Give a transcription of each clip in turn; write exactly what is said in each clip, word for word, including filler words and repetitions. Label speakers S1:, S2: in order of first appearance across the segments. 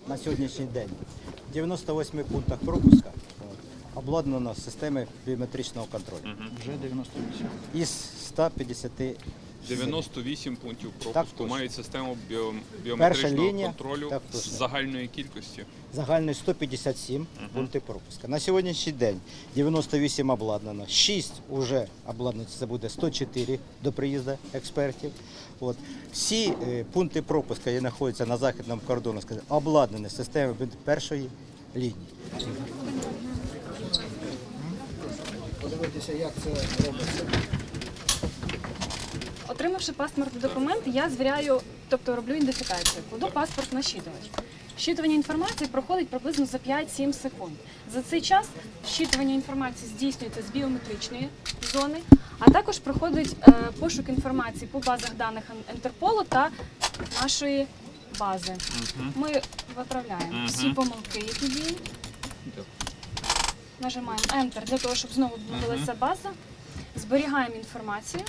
S1: на сьогоднішній день в дев'яноста восьми пунктах пропуска обладнано системою біометричного контролю.
S2: Вже дев'яносто вісім.
S1: Із ста п'ятдесяти.
S3: дев'яносто вісім пунктів
S1: Так,
S3: пропуску
S1: точно.
S3: мають систему біо-
S1: Перша
S3: біометричного
S1: лінія,
S3: контролю
S1: так,
S3: з
S1: точно.
S3: загальної кількості.
S1: Загальний сто п'ятдесят сім пунктів пропуска. На сьогоднішній день дев'яносто вісім обладнано, шість вже обладнано, це буде сто чотири до приїзду експертів. От. Всі е, пункти пропуска, які знаходяться на західному кордоні, скажімо, обладнані системою першої лінії.
S2: Подивитися, як це робиться.
S4: Отримавши паспортний документ, я звіряю, тобто роблю ідентифікацію, кладу паспорт на щитувач. Щитування інформації проходить приблизно за п'ять-сім секунд. За цей час щитування інформації здійснюється з біометричної зони, а також проходить е, пошук інформації по базах даних Інтерполу та нашої бази. Ми виправляємо всі помилки, які діють. Нажимаємо Enter для того, щоб знову відбулася база. Зберігаємо інформацію.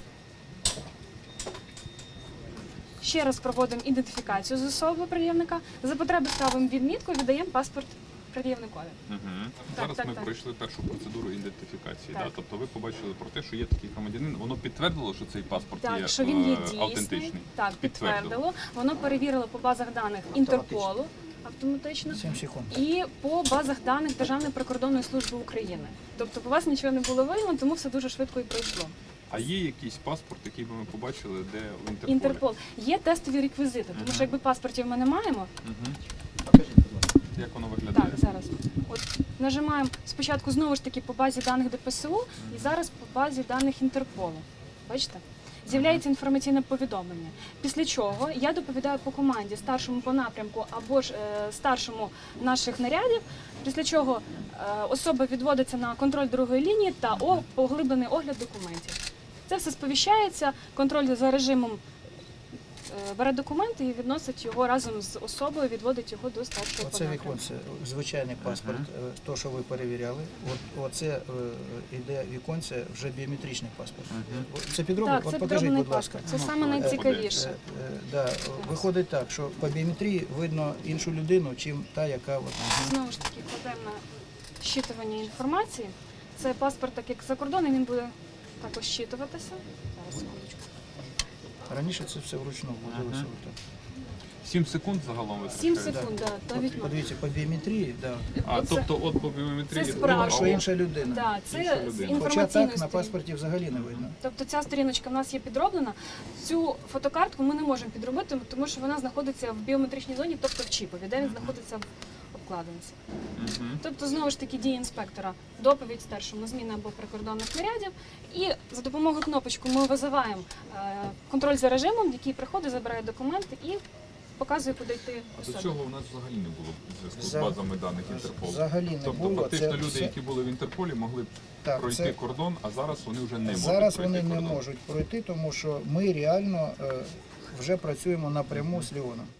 S4: Ще раз проводимо ідентифікацію з особою пред'явника. За потреби ставимо відмітку, віддаємо паспорт пред'явникові.
S5: Угу.
S4: Так,
S5: Зараз
S4: так,
S5: ми
S4: так.
S5: пройшли першу процедуру ідентифікації.
S4: Так.
S5: Да? Тобто ви побачили про те, що є такий громадянин, воно підтвердило, що цей паспорт є,
S4: Так, що він є
S5: е,
S4: дійсний.
S5: автентичний?
S4: Так, підтвердило. Воно перевірило по базах даних Інтерполу автоматично
S2: сім секунд.
S4: і по базах даних Державної прикордонної служби України. Тобто по вас нічого не було виявлено, тому все дуже швидко і пройшло.
S5: А є якийсь паспорт, який би ми побачили, де в Інтерполі?
S4: Інтерпол. Є тестові реквізити, тому що якби паспортів ми не маємо,
S5: Угу.
S1: Покажіть, будь ласка.
S5: Як воно виглядає?
S4: так, зараз. От нажимаємо спочатку знову ж таки по базі даних ДПСУ і зараз по базі даних Інтерполу. Бачите? З'являється інформаційне повідомлення. Після чого я доповідаю по команді старшому по напрямку або ж е, старшому наших нарядів, після чого е, особа відводиться на контроль другої лінії та о, поглиблений огляд документів. Це все сповіщається, контроль за режимом е, бере документи і відносить його разом з особою, відводить його до старшого по
S2: Оце
S4: напрямку.
S2: віконце, звичайний паспорт, е, то, що ви перевіряли. От, оце е, іде віконце, вже біометричний паспорт. Це підроблений?
S4: Так,
S2: От
S4: це
S2: покажіть,
S4: підроблений
S2: будь ласка.
S4: паспорт. Це
S5: Ну,
S4: саме
S5: що,
S4: найцікавіше.
S2: Е, е, да, виходить так, що по біометрії видно іншу людину, чим та, яка от,
S4: Знову ж таки, кладемо на щитування інформації. Це паспорт, так як за кордоном, він буде також щитуватися. Зараз, секундочку.
S2: раніше це все вручну вводилося. отак.
S5: Сім секунд загалом вистачає?
S4: Сім секунд, да,
S2: От,
S4: навіть.
S2: подивіться, по біометрії, да.
S5: А,
S4: Оце-
S5: тобто от по біометрії...
S4: це
S5: ну,
S4: справа.
S5: а
S2: що
S5: от-
S2: інша людина.
S4: Да,
S5: Інша
S4: це з
S5: людина.
S2: Хоча
S4: інформаційної
S2: так на
S4: сторінки.
S2: паспорті взагалі не видно.
S4: Тобто ця сторіночка в нас є підроблена. Цю фотокартку ми не можемо підробити, тому що вона знаходиться в біометричній зоні, тобто в чіпові, де він знаходиться в обкладинці.
S5: Мгм.
S4: Тобто, знову ж таки, дії інспектора, доповідь старшому зміни або прикордонних нарядів. І за допомогою кнопочки ми визиваємо е, контроль за режимом, який приходить, забирає документи і показує, куди йти
S5: А до
S4: особі.
S5: цього у нас взагалі не було зв'язку з
S2: За-
S5: базами даних Інтерполу.
S2: Взагалі не
S5: Тобто
S2: було.
S5: фактично
S2: Це
S5: люди,
S2: все-
S5: які були в Інтерполі, могли б
S2: Так,
S5: пройти
S2: це-
S5: кордон, а зараз вони вже не можуть
S2: Зараз
S5: пройти
S2: вони не
S5: кордон.
S2: можуть пройти, тому що ми реально е, вже працюємо напряму з Ліоном.